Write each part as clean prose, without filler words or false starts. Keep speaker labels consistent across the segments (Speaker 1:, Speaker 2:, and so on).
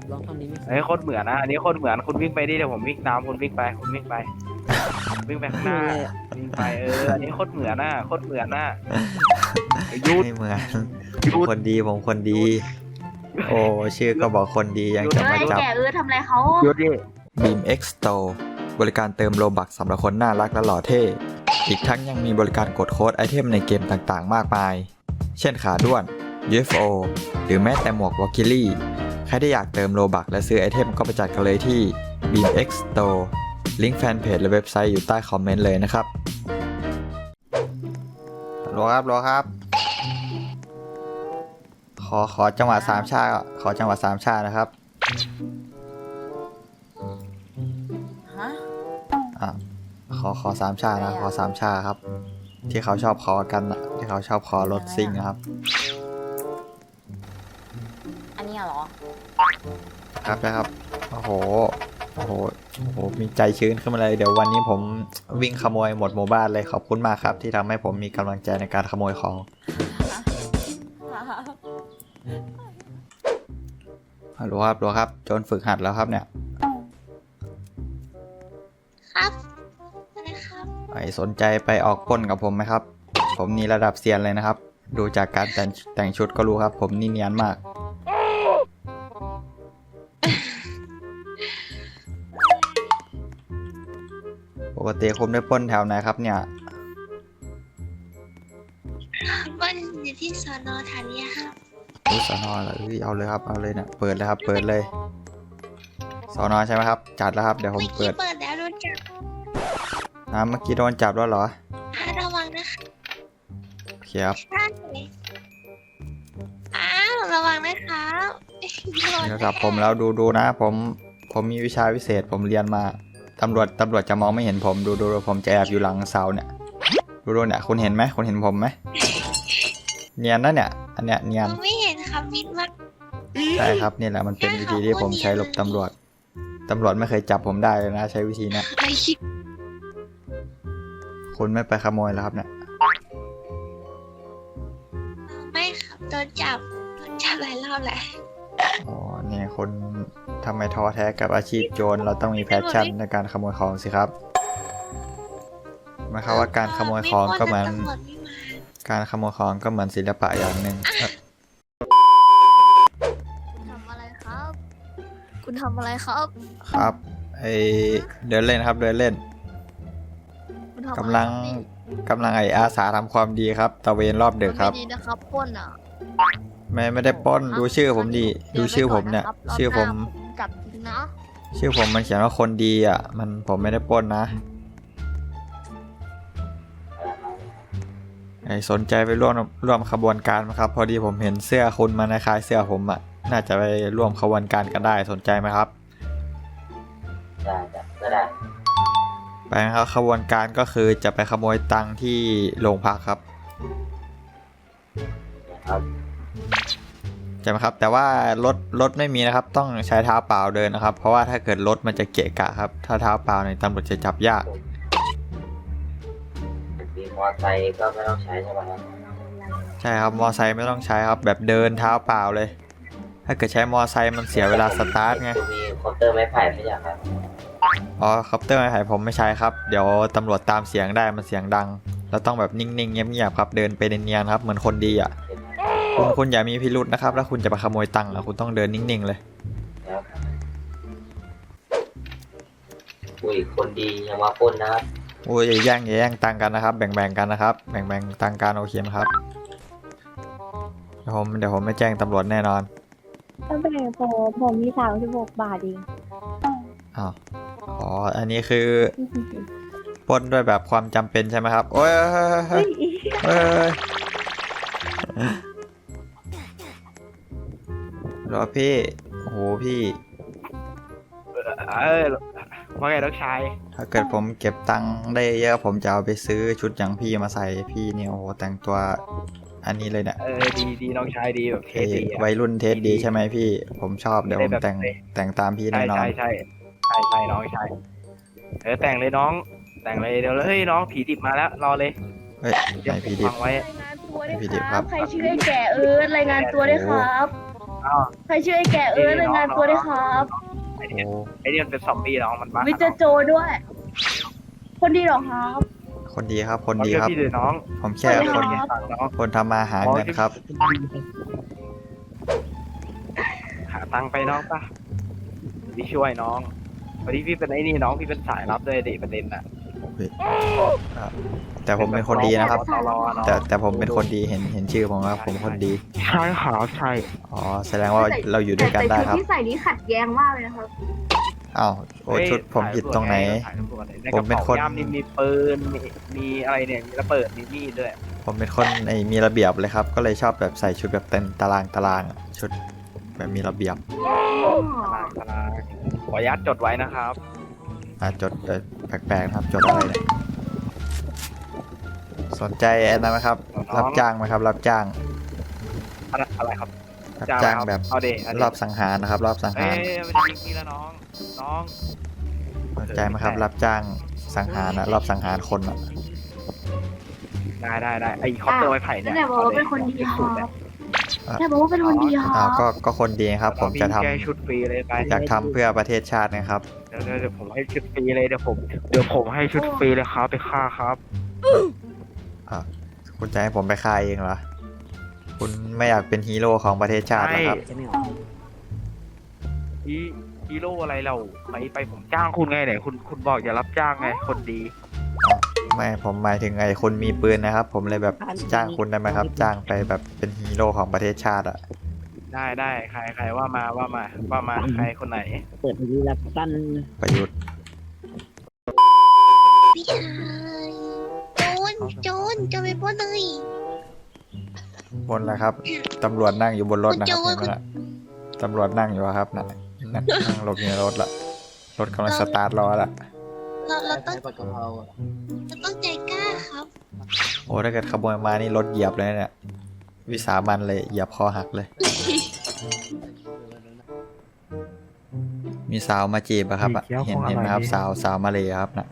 Speaker 1: ลองท่อนนี้ไม่
Speaker 2: เฮ้ยโคตรเหมือนนะอันนี้โคตรเหมือนคุณวิ่งไปดิเดี๋ยวผมวิ่งตามคุณวิ่งไปคุณวิ่งไปวิ่งไปข้างหน้าวิ่งไปอันนี้โคตรเหมือนนะโคตรเหมือนนะหยุด
Speaker 3: ไม่เหมือน
Speaker 2: หยุด
Speaker 3: คนดีผมคนดี โอ้ชื่อก็บอกคนดียังจะ
Speaker 4: เฮ้
Speaker 3: มาย จับ
Speaker 4: แกทำอะไรเขา
Speaker 2: หยุดดิ
Speaker 3: Beam X Store บริการเติมโลบักสำหรับคนน่ารักและหล่อเท่ อีกทั้งยังมีบริการกดโค้ดไอเทมในเกมต่างๆ มากมาย เช่นขาด้วน UFO หรือแม้แต่หมวกวอลคิลี่ ใครที่อยากเติมโลบักและซื้อไอเทมก็ไปจัดกันเลยที่ Beam X Store ลิงก์แฟนเพจและเว็บไซต์อยู่ใต้คอมเมนต์เลยนะครับรอครับ ขอจังหวะสามชาขอจังหวะสามชานะครับ
Speaker 4: ฮะ
Speaker 3: อ่ะขอสามชานะขอสามชาครับ ที่เขาชอบขอกันอะที่เขาชอบขอรถซิ่งนะครับ
Speaker 4: อันนี้เหรอ
Speaker 3: ครับนะครับโอ้โหมีใจชื้นขึ้นมาเลยเดี๋ยววันนี้ผมวิ่งขโมยหมดหมู่บ้านเลยขอบคุณมากครับ ที่ทำให้ผมมีกำลังใจในการขโมยของฮัลโหลครับโจรฝึกหัดแล้วครับเนี่ย
Speaker 4: ครับอะไรครับ
Speaker 3: ไอสนใจไปออกปล้นกับผมไหมครับ ผมนี่ระดับเซียนเลยนะครับ ดูจากการแต่งชุดก็รู้ครับ ผมนี่เนียนมาก ปกติคุณได้ปล้นแถวไหนครับเนี่ย
Speaker 5: บ้านอยู่ที่สอนอฐานีครับ
Speaker 3: รู้สอนอเหรอเอาเลยครับเอาเลยเนี่ยเปิดเลยครับเปิดเลยสอนอใช่ไหมครับจัดแล้วครับเดี๋ยวผม
Speaker 5: เมื่อ
Speaker 3: เปิ
Speaker 5: กี้
Speaker 3: ด
Speaker 5: เปิดแล้วโดนจับ
Speaker 3: เมื่อกี้โดนจับแล้วเหรอ
Speaker 5: ระวังนะคะ
Speaker 3: โอเคครับ
Speaker 5: ใช่ระวังนะครับ
Speaker 3: โทรศัพท์ผมแล้วดูนะผมมีวิชาวิเศษผมเรียนมาตำรวจจะมองไม่เห็นผมดูผมจะแอบอยู่หลังเสาเนี่ยดูเนี่ยคุณเห็นไหมคุณเห็นผมไหมเนียนนะเนี่ยอันเนี้ยเนียน
Speaker 5: ไม่เห็นครับมิดมาก
Speaker 3: ใช่ครับนี่แหละมันเป็นวิธีที่ผมใช้หลบตำรวจไม่เคยจับผมได้เลยนะใช้วิธีเนี้ย
Speaker 5: ไอคิด
Speaker 3: คุณไม่ไปขโมยแล้วครับเนี่ย
Speaker 5: ไม่ครับโดนจับหลายรอบแหละ
Speaker 3: อ๋อเนี่ยคนทำไมท้อแท้กับอาชีพโจรเราต้องมีแพชชั่นในการขโมยของสิครับหมายความว่าการขโมยของก็เหมือน
Speaker 5: ตำรวจไม่มา
Speaker 3: การขโมยของก็เหมือนศิลปะอย่างหนึ่ง
Speaker 4: ทำอะไรครับ คุณทำอะไรครับ
Speaker 3: ครับไอเดินเล่นครับเดินเล่น
Speaker 4: คุณทำ
Speaker 3: กำลังไออาสาทำความดีครับตะเวนรอบดึกครับ
Speaker 4: ไม่ดีนะครับปล้นอ่ะ
Speaker 3: ไม่ได้ปล้นดูชื่อผมดีดูชื่อผมเนี่ย ชื่อผม
Speaker 4: จับจริงนะ
Speaker 3: ชื่อผมมันเขียนว่าคนดีอ่ะผมไม่ได้ปล้นนะไอสนใจไปร่วมขบวนการไหมครับ พอดีผมเห็นเสื้อคุณมันคล้ายเสื้อผมอ่ะน่าจะไปร่วมขบวนการกันได้สนใจไหมครับ
Speaker 6: ได้จ้ะก็ได้
Speaker 3: ไปครับขบวนการก็คือจะไปขโมยตังค์ที่โรงพักครับ
Speaker 6: ครับ
Speaker 3: ใช่ไหมครับแต่ว่ารถไม่มีนะครับต้องใช้เท้าเปล่าเดินนะครับ เพราะว่าถ้าเกิดรถมันจะเกะกะครับถ้าเท้าเปล่าเนี่ยตำรวจจะจับยาก
Speaker 6: มีมอไซค์ก็ไม่ต้องใช้ใช่ไหมครับ
Speaker 3: ใช่ครับมอไซค์ไม่ต้องใช้ครับแบบเดินเท้าเปล่าเลย ถ้าเกิดใช้มอไซค์มันเสียเวลาสตาร์ทไง
Speaker 6: คุณมีคอปเตอร์ไม้ไผ่ไม่ใช่ครับ
Speaker 3: อ๋อคอปเตอร์ไม้ไผ่ผมไม่ใช้ครับเดี๋ยวตำรวจตามเสียงได้มันเสียงดังเราต้องแบบนิ่งๆเงียบๆครับเดินไปเนียนๆครับเหมือนคนดีอ่ะคุณอย่ามีพิรุธนะครับแล้วคุณจะไปขโมยตังค์อ่ะคุณต้องเดินนิ่งๆเลย
Speaker 6: แล้วอุ้ยคนดียังมาปล้นนะครับ
Speaker 3: โอ้ยอย่าแย่งตังค์กันนะครับแบ่งกันนะครับแบ่งตังค์กันโอเคไหมครับเดี๋ยวผมไม่แจ้งตำรวจแน่นอน
Speaker 7: ตั้งแต่ผมมี36 บาทเอง
Speaker 3: อ้าวอ๋ออันนี้คือปล้นด้วยแบบความจำเป็นใช่ไหมครับโอ้ยเฮ้ยรอพี่โอ้โหพี่
Speaker 2: ว่าไงน้องชาย
Speaker 3: ถ้าเกิดผมเก็บตังค์ได้เยอะผมจะเอาไปซื้อชุดอย่างพี่มาใส่พี่เนี่ยโอ้โหแต่งตัวอันนี้เลยเนี่ย
Speaker 2: ดีน้องชายดีแบบเท่ดี
Speaker 3: วัยรุ่นเทสดีใช่ไหมพี่ผมชอบเดี๋ยวผมแต่งตามพี่แน่นอน
Speaker 2: ใช่น้องชายแต่งเลยน้องแต่งเลยเดี๋ยวเฮ้ยน้องผีดิบมาแล้วรอเลย
Speaker 3: เฮ้ยไหนพี่ดิบ
Speaker 2: ฟังไว้
Speaker 7: รายงานตัวด้วย
Speaker 3: พี่ดิบ
Speaker 7: ค
Speaker 3: ครั
Speaker 7: รับ บ ใครชื่อไอ้แก่รายงานตัวด้วยครับ
Speaker 2: ออ้าว
Speaker 7: ใครช่วยแกรายงานตัวด้วยครับ
Speaker 2: ไอ
Speaker 3: โอ้
Speaker 2: เนี่ยไอเนี่ยเป็นซอมบี้น้องมันบ้า
Speaker 7: มิสเตอร์โจด้วย คนดีเหรอครับ
Speaker 3: คนดีครับ คน
Speaker 2: น้อง
Speaker 3: ดี
Speaker 2: เชื่อ
Speaker 3: ครับ
Speaker 2: พี่เลยน้อง
Speaker 3: ผมแค่
Speaker 7: คนดี
Speaker 3: คน
Speaker 7: ครับ
Speaker 2: ฟังน้อง
Speaker 3: คนทำมาหาเงินครับ
Speaker 2: หาตังค์ไปน้องป่ะพี่ช่วยน้องวันนี้พี่เป็นไอ้นี่น้องพี่เป็นสายลับด้วยดิประเด็นน่ะ
Speaker 3: แต่ผมเป็นคนดีนะครับ
Speaker 2: ตลอน้อง
Speaker 3: แต่ผมเป็นคนดีเห็นชื่อผมครับผมคนดี
Speaker 2: ใช่ครับใช่
Speaker 3: อ๋อแสดงว่าเราอยู่ด้วยกันได้ครับ
Speaker 7: แต่ชุดที่ใส่นี้ขัดแย้งมากเลยนะครับ
Speaker 3: อ้าวโอ้ชุดผมผิดตรงไหน ผมเป็นคน
Speaker 2: ย่ามนี่มีปืนมีอะไรเนี่ยมีระเบิดมีมีดด้วย
Speaker 3: ผมเป็นคนมีระเบียบเลยครับ ก็เลยชอบแบบใส่ชุดแบบเต็มตารางอะชุดแบบมีระเบียบ
Speaker 2: ตารางขออนุญาตจดไว้นะครับ
Speaker 3: จดแปลกๆนะครับจดอะไรเนี่ยสนใจแอนนาไหมครับ รับจ้างไหมครับ รับจ้าง
Speaker 2: อะไรครับ
Speaker 3: รับจ้างแบบ
Speaker 2: เอาเด
Speaker 3: รอบสังหารนะครับ รอบสัง
Speaker 2: เอ้
Speaker 3: หาร
Speaker 2: ยไม่ได้ยิงพี่แล้วน้อง
Speaker 3: สนใจไหมครับ รับจ้างสังหารรอบสังหารคนอะ
Speaker 2: ได้ไอ้คอปเตอร์ไม้ไผ่เนี่ย
Speaker 7: แต่บอกว่าเป็นคนดีครับแต่บอกว่าเป็นคนดีค
Speaker 3: อ้า
Speaker 7: รั
Speaker 3: ว
Speaker 7: บ
Speaker 3: ก็คนดีครับ ผมจะทำ
Speaker 2: แก้ชุดฟรีเลยไป
Speaker 3: อยากทำเพื่อประเทศชาตินะครับ
Speaker 2: เดี๋ยวผมให้ชุดฟรีเลยเดี๋ยวผมให้ชุดฟรีเลยครับไปฆ่าครับ
Speaker 3: คุณจะให้ผมไปฆ่าเองเหรอ คุณไม่อยากเป็นฮีโร่ของประเทศชาติเหรอครับ
Speaker 2: ฮีโร่อะไรเราไปผมจ้างคุณไงไหนคุณบอกอย่ารับจ้างไงคนดี
Speaker 3: ไม่ผมหมายถึงคนมีปืนนะครับ ผมเลยแบบจ้างคุณได้ไหมครับ จ้างไปแบบเป็นฮีโร่ของประเทศชาติอะ
Speaker 2: ได้ใครว่ามาใครคนไหน
Speaker 1: เปิดวีรับสั้น
Speaker 3: ประยุทธ์
Speaker 5: พี่ชายโจรไปปล้นเลย
Speaker 3: บนแล้วครับตำรวจนั่งอยู่บนรถนะครับเห็นไหมล่ะตำรวจนั่งอยู่อะครับนั่งหลบอยู่ในรถละรถกำลังสตาร์ทรอละ
Speaker 5: เราต้อง
Speaker 1: ผัดกะเพรา
Speaker 5: ใจกล้าครับ
Speaker 3: โอ้ถ้าเกิดขโมยมานี่รถเหยียบเลยเนี่ยวิสามันเลยเหยียบคอหักเลย มีสาวมาจีบอะครับอะเห็นไหมครับสาวมาเลยครับนะ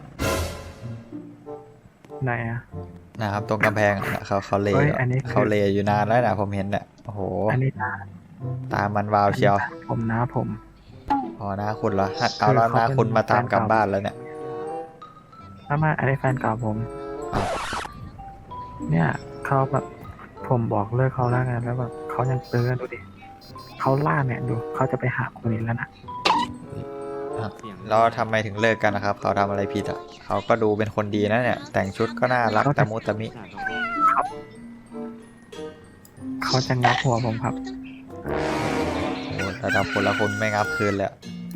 Speaker 8: ไหนอ่ะ
Speaker 3: นะครับตรงกำแพงอะเขาเล
Speaker 8: เฮ้ยอันนี้คือ
Speaker 3: เขาเลอยู่นานแล้วนะผมเห็นเนี่ยโอ้โห
Speaker 8: อันนี้
Speaker 3: ตามันวาวเชียว
Speaker 8: ผมนะผม
Speaker 3: อ๋อนะคุณเหรอเอาแล้วนะคุณมาตามกลับบ้านแล้วเนี่ย
Speaker 8: ถ้ามาอันนี้แฟนเก่าผม
Speaker 3: อ้าว
Speaker 8: เนี่ยเขาแบบผมบอกเลิกเขาแล้วไงแล้วแบบเขายังเตือนดูดิเขาล่าเนี่ยดูเขาจะไปหาคนนี้แล้วนะ
Speaker 3: แล้วทำไมถึงเลิกกันนะครับ เขาทำอะไรผิดอ่ะเขาก็ดูเป็นคนดีนะเนี่ย แต่งชุดก็น่ารักตะมุตะมิ
Speaker 8: เขาจะงับหัวผมครับ
Speaker 3: โอ้ระดับคนละคนไม่งับคืนเลยอะ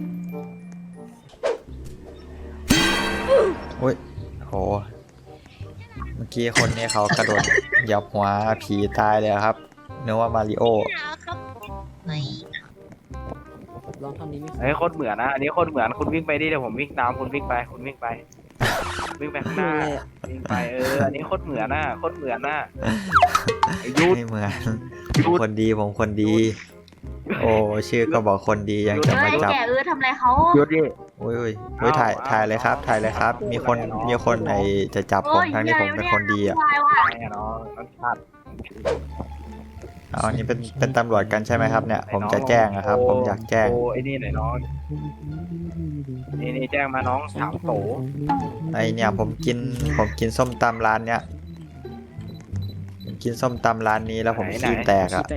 Speaker 3: อุ้ยโหเมื่อกี้คนนี้เขากระโดดเหยับหัวผีตายเลยครับนึกว่ามาริโอ
Speaker 5: ครับไม่
Speaker 1: ลองทำนี้ไหม
Speaker 2: ไอ้โคตรเหมือนนะอันนี้โคตรเหมือนคุณวิ่งไปดิเดี๋ยวผมวิ่งตามคุณวิ่งไปวิ่งไปข้างหน้าวิ่งไปอันนี้โคตรเหมือนนะโคตรเหมือนนะยุด
Speaker 3: ไม่เหมือนผมคนดีผมคนดี โอ้ชื่อก็บอกคนดียังจะมาจับ
Speaker 7: แกทำอะไรเขา
Speaker 2: ยุดดิ
Speaker 3: อุ้ยถ่ายเลยครับถ่ายเลยครับ มีคนจะจับผมทั้งที่ผมเป็นคนดีอ่ะ
Speaker 2: ไอ้น้องมันตัด
Speaker 3: เอาอันนี้เป็นตำรวจกันใช่ไหมครับเนี่ยผมจะแจ้งนะครับ ผมอยากแจ้ง
Speaker 2: โอ้ไอ้นี่หน่อยน้องนี่แจ้งมาน้องสามโต
Speaker 3: ไอเนี่ยผมกินส้มตำร้านเนี้ยผมกินส้มตำร้านนี้แล้วผมขี้แตกอ่ะ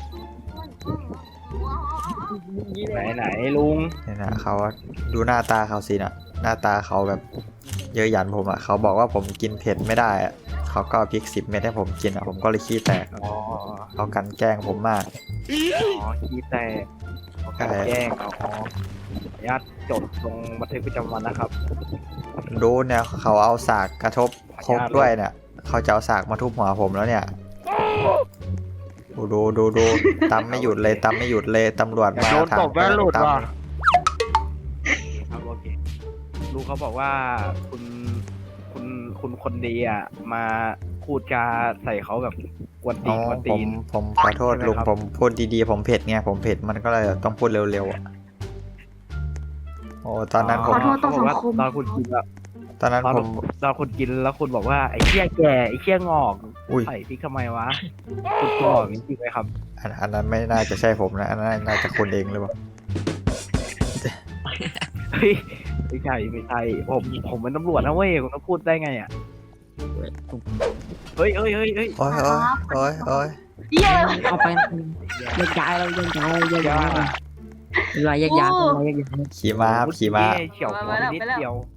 Speaker 2: ไหนลุง
Speaker 3: เนี่ยนะเขาดูหน้าตาเขาสินะหน้าตาเขาแบบเยอะหยันผมอ่ะเขาบอกว่าผมกินเผ็ดไม่ได้อ่ะเขาก็เอาพริก10 เม็ดให้ผมกินอ่ะผมก็เลยขี้แตก
Speaker 2: อ๋อ
Speaker 3: เขากันแกล้งผมมาก
Speaker 2: ขี้แตกแจ้งญาติจดลงบันทึกประจำวันนะครับ
Speaker 3: ดูเนี่ยเขาเอาสากกระทบครกด้วยเนี่ยเขาจะเอาสากมาทุบหัวผมแล้วเนี่ยดูตำไม่หยุดเลยตำไม่หยุดเลยตำรวจมา
Speaker 2: โดนตบแว่นหลุด
Speaker 3: ตำ
Speaker 2: ว่ะครับโอเคลูกเขาบอกว่าคุณคนดีอ่ะมาพูดจาใส่เขาแบบกวนตี
Speaker 3: อ๋
Speaker 2: น
Speaker 3: อก
Speaker 2: วน
Speaker 3: ผ
Speaker 2: ตี
Speaker 3: ม
Speaker 2: น
Speaker 3: ขอโทษ
Speaker 2: ใช่ไหม
Speaker 3: ลุง
Speaker 2: ครับ
Speaker 3: ผมพูดดีๆผมเผ็ดไงผมเผ็ดมันก็เลยต้องพูดเร็วๆอ่ะโอ้ตอนนั้นผม
Speaker 7: ขอโทษต่อสังคม
Speaker 2: ตอนคุณกินแบบ
Speaker 3: ตอนนั้น
Speaker 2: ตอน
Speaker 3: ผม
Speaker 2: ตอนคุณกินแล้วคุณบอกว่าไอ้เชี่ยแก่ไอ้เชี่ยงอก
Speaker 3: อุ้ย
Speaker 2: ใส่พริกทำไมวะคุณบอกจริงๆไหมครับ
Speaker 3: อันนั้นไม่น่าจะใช่ผมนะอันนั้นน่าจะคุณเองหรือเปล่า
Speaker 2: เฮ้ยไม่ใช่ผมเป็นตำรวจนะเว้ยคุณต้องพูดได้ไงอ่ะเฮ้ย
Speaker 3: โอ้ยโอ้ย
Speaker 4: เยี่ยอะไร
Speaker 1: เอาไปแยกย้ายเราแยกย้ายเราแยกย้ายเวลาแยกย้ายเวลาแยกย้าย
Speaker 3: ขี่ม้าครับขี่ม้า
Speaker 2: เฉียวหัวไปนิดเดียว